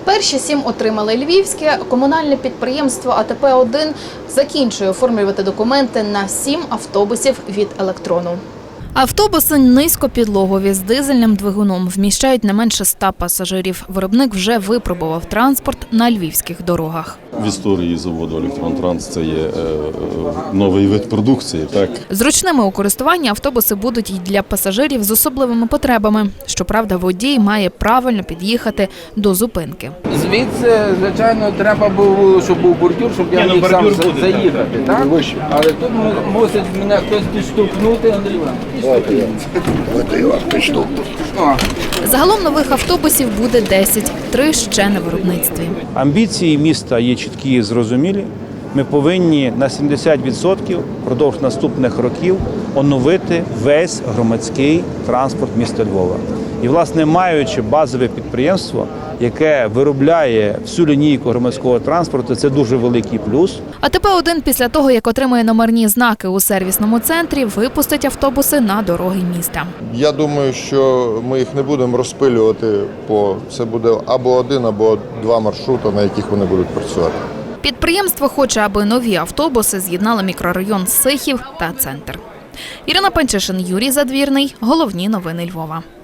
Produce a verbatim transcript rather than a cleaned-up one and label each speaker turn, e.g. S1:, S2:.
S1: Перші сім отримали львівське. Комунальне підприємство А Те Пе один закінчує оформлювати документи на сім автобусів від електрону. Автобуси низькопідлогові з дизельним двигуном вміщають не менше ста пасажирів. Виробник вже випробував транспорт на львівських дорогах.
S2: В історії заводу «Електронтранс» це є е, новий вид продукції. Так?
S1: Зручними у користуванні автобуси будуть і для пасажирів з особливими потребами. Щоправда, водій має правильно під'їхати до зупинки.
S3: Звідси, звичайно, треба було, щоб був бордюр, щоб я міг сам заїхати. Так? Але тут мусить мене хтось підштовхнути, Андрій Іванович.
S1: Загалом нових автобусів буде десять, три ще на виробництві.
S4: Амбіції міста є чіткі і зрозумілі. Ми повинні на сімдесят відсотків впродовж наступних років оновити весь громадський транспорт міста Львова. І, власне, маючи базове підприємство, яке виробляє всю лінійку громадського транспорту, це дуже великий плюс.
S1: А Те Пе один після того, як отримає номерні знаки у сервісному центрі, випустить автобуси на дороги міста.
S5: Я думаю, що ми їх не будемо розпилювати, по це буде або один, або два маршрути, на яких вони будуть працювати.
S1: Підприємство хоче, аби нові автобуси з'єднали мікрорайон Сихів та центр. Ірина Панчишин, Юрій Задвірний. Головні новини Львова.